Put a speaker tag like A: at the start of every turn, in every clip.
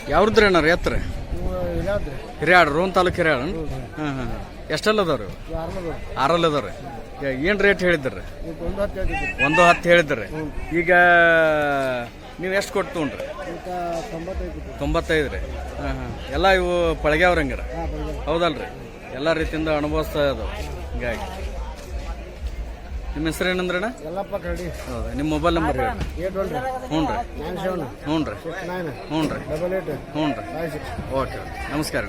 A: ಯಾವ್ದ್ರಿ ಅಣ್ಣ ಎತ್ತರ ಹಿರಿಯಾಡ್ ರೋನ್ ತಾಲೂಕು ಹಿರಿಯಾಡ. ಹಾಂ ಹಾಂ ಎಷ್ಟೆಲ್ಲ ಅದಾವ್ರಿ? ಆರಲ್ಲ ಅದಾವ್ರಿ. ಏನು ರೇಟ್ ಹೇಳಿದ್ರಿ? 110 ಹೇಳಿದ್ರಿ. ಈಗ ನೀವು ಎಷ್ಟು ಕೊಟ್ಟು ತೊಗೊಂಡ್ರಿ? 95 ರೀ. ಹಾಂ ಹಾಂ ಎಲ್ಲ ಇವು ಪಳಗ್ಯಾವ್ರಿ ಹಂಗಾರ? ಹೌದಲ್ರಿ, ಎಲ್ಲ ರೀತಿಯಿಂದ ಅನುಭವಿಸ್ತಾ ಇದಾವೆ. ಹಿಂಗಾಗಿ ನಿಮ್ಮ ಹೆಸರು ಏನಂದ್ರಣ್ಣ? ಹೌದಾ, ನಿಮ್ಮ ಮೊಬೈಲ್ ನಂಬರ್ ಹೇಳಿ. ಹ್ಞೂ ರೀ ಹ್ಞೂ ರೀ ಹ್ಞೂ ರೀ ಹ್ಞೂ ರೀ. ಓಕೆ, ನಮಸ್ಕಾರ.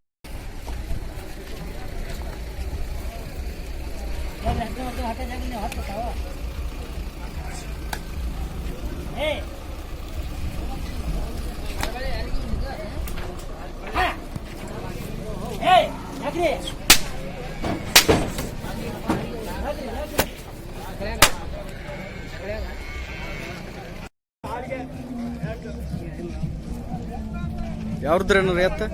A: ಯಾವ್ದ್ರಿ ಏನಾರ ಎತ್ತ?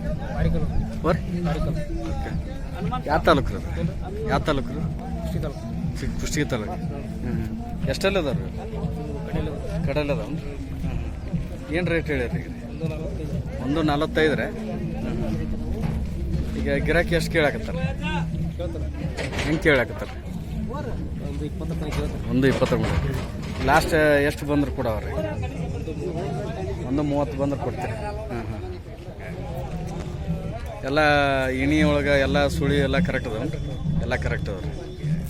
A: ಯಾವ ತಾಲೂಕು? ಯಾವ ತಾಲೂಕು? ಕುಷ್ಟಗಿ ತಾಲೂಕು. ಎಷ್ಟೆಲ್ಲ ಅದಾವ್ರಿ? ಕಡೆಲ್ಲ ಅದಾವ. ಏನು ರೇಟ್ ಹೇಳಿರಿ? 145 ರೀ. ಈಗ ಗಿರಾಕಿ ಎಷ್ಟು ಕೇಳಾಕತ್ತಾರ? ಹೆಂಗೆ ಕೇಳಾಕತ್ತಾರ? 120. ಲಾಸ್ಟ್ ಎಷ್ಟು ಬಂದ್ರೆ ಕೊಡವ್ರಿ? 130 ಬಂದ್ರೆ ಕೊಡ್ತೀರಿ. ಹಾಂ ಹಾಂ. ಎಲ್ಲ ಇಣಿ ಒಳಗೆ ಎಲ್ಲ ಸುಳಿ ಎಲ್ಲ ಕರೆಕ್ಟ್ ಅದಾವನ್ರಿ? ಎಲ್ಲ ಕರೆಕ್ಟ್ ಅದಾವ ರೀ.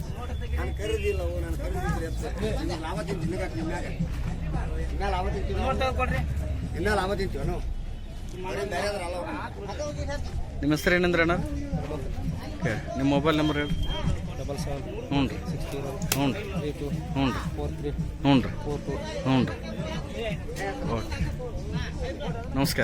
A: ನಿಮ್ಮ ಹೆಸರು ಏನಂದ್ರೆ ಅಣ್ಣ? ಓಕೆ, ನಿಮ್ಮ ಮೊಬೈಲ್ ನಂಬರ್ ಹೇಳಿ. 77 ಹ್ಞೂ ರೀ ಹ್ಞೂ ರೀ ಹ್ಞೂ ರೀ ಹ್ಞೂ ರೀ ಹ್ಞೂ ರೀ. ಓಕೆ, ನಮಸ್ಕಾರ.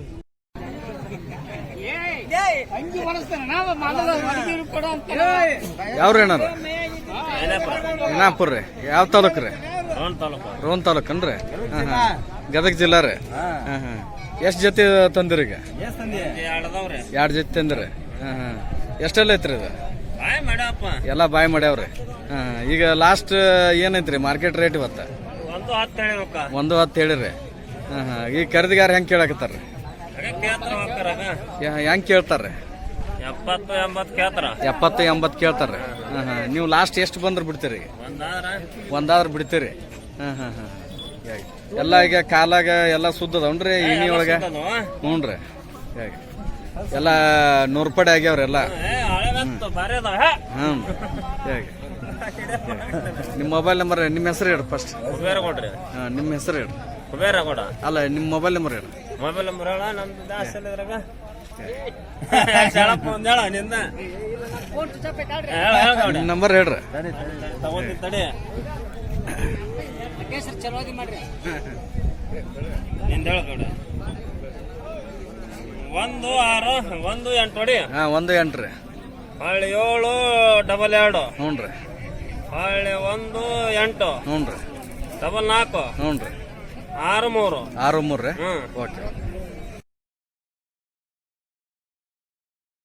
A: ಯಾವ್ರಿ ಅಣ್ಣಾರ? ಏನಾಪುರ ರೀ. ಯಾವ ತಾಲೂಕು ರೀ? ರೋನ್ ತಾಲೂಕನ್ರಿ. ಹಾಂ ಹಾಂ, ಗದಗ ಜಿಲ್ಲಾ ರೀ. ಹಾಂ ಹಾಂ. ಎಷ್ಟು ಜೊತೆ ತಂದಿರಿ ಈಗ? 2 ಜೊತೆ ತಂದಿರಿ. ಹಾಂ ಹಾಂ. ಎಷ್ಟೆಲ್ಲ ಐತ್ರಿ ಇದು? ಎಲ್ಲ ಬಾಯ್ ಮಾಡ್ಯಾವ್ರಿ. ಹಾಂ, ಈಗ ಲಾಸ್ಟ್ ಏನೈತ್ರಿ ಮಾರ್ಕೆಟ್ ರೇಟ್ ಇವತ್ತು? 110 ಹೇಳಿರಿ. ಹಾಂ ಹಾಂ. ಈಗ ಖರೀದಿಗಾರ ಹೆಂಗೆ ಕೇಳಾಕತ್ತಾರ್ರಿ? ಹೆಂಗೆ ಕೇಳ್ತಾರ್ರಿ? 70-80 ಕೇಳ್ತಾರ್ರಿ. ಹಾಂ ಹಾಂ. ನೀವು ಲಾಸ್ಟ್ ಎಷ್ಟು ಬಂದ್ರೆ ಬಿಡ್ತೀರಿ? ಒಂದಾದ್ರೆ ಬಿಡ್ತೀರಿ. ಹಾಂ ಹಾಂ ಹಾಂ. ಎಲ್ಲ ಈಗ ಕಾಲಾಗ ಎಲ್ಲ ಸುದ್ದದವನ್ರಿ ಇಣಿ ಒಳಗೆ? ಹ್ಞೂ ರೀ. ಹೇಗೆ ಎಲ್ಲ 100 ರೂಪಾಯಿ ಆಗ್ಯಾವ್ರಿ ಎಲ್ಲ? ಹಾಂ. ಹೇಗೆ ನಿಮ್ಮ ಮೊಬೈಲ್ ನಂಬರ್, ನಿಮ್ಮ ಹೆಸರು ಹೇಳಿ ಫಸ್ಟ್. ಹಾಂ, ನಿಮ್ಮ ಹೆಸರು ಹೇಳಿ. ಅಲ್ಲ, ನಿಮ್ಮ ಮೊಬೈಲ್ ನಂಬರ್ ಹೇಳಿ.
B: ಮೊಬೈಲ್ ನಂಬರ್ ಹೇಳ.
A: ನಿಮ್ಮ ನಂಬರ್ ಹೇಳ್ರಿ.
B: ನಿಂದ ಹೇಳ. 16-18 ಹೊಡಿ.
A: ಹಾಂ, 18 ರೀ.
B: 7-2
A: ಹ್ಞೂ ರೀ.
B: 1-8
A: ಹ್ಞೂ ರೀ.
B: 4-4
A: ಹ್ಞೂ ರೀ.
B: 6-3
A: 6-3 ರೀ. ಓಕೆ.